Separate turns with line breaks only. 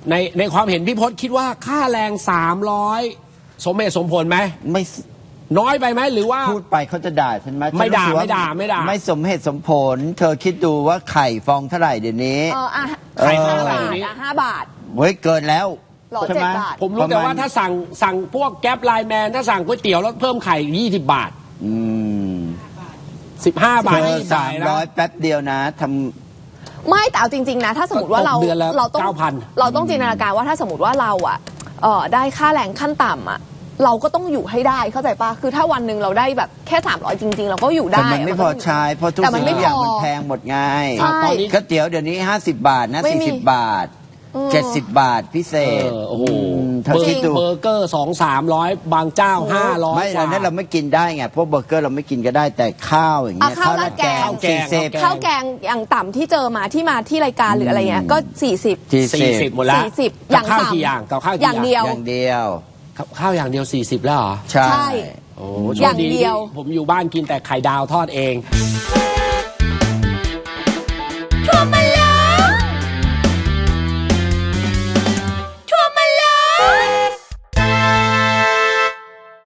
ในความเห็นพี่พศคิดว่าค่าแรง300สมเหตุสมผลไหม
ไม่
น้อยไปไหมหรือว่า
พูดไปเขาจะด่าฉันไหม
ไม่ด่า
ไม่สมเหตุสมผลเธอคิดดูว่าไข่ฟองเท่าไหร่เดี๋ยวนี้
ไข่5 บาท
5 บาท
เฮ้ยเกินแล้ว
ใช่ไหม
ผมรู้แต่ว่าถ้าสั่งพวกแก๊ปไลน์แมนถ้าสั่งก๋วยเตี๋ยวแล้วเพิ่มไข่20 บาท15 บาท
300แป๊บเดียวนะทำ
ไม่แต่เอาจริงๆนะถ้าสมมติว่าเราต้องจินตนาการว่าถ้าสมมติว่าเราได้ค่าแรงขั้นต่ำเราก็ต้องอยู่ให้ได้เข้าใจปะคือถ้าวันหนึ่งเราได้แบบแค่300จริงๆเราก็อยู่ได้
แต่มันไม่พอใช้เพราะทุกสิ่งทุกอย่างมันแพงหมดไงก๋วยเตี๋ยวเดี๋ยวนี้50 บาทนะ40 บาท70 บาทพิเศษ
โอ้โหเบอร์เกอร์200-300บางเจ้า500
ไม่อันนั้นเราไม่กินได้ไงพวกเบอร์เกอร์เราไม่กินก็ได้แต่ข้าวอย่างเงี้ย
ข้าวราดแกงข้าวแกงอย่างต่ำที่เจอมาที่รายการหรืออะไรเงี้ยก็
40หมดแล้ว
40อย่าง
ข้าวกี่อย่างกับข้าว
อย่างเดียว
ข้าวอย่างเดียว40แล้วเหรอ
ใช่
โอ้อย่างเดียวผมอยู่บ้านกินแต่ไข่ดาวทอดเอง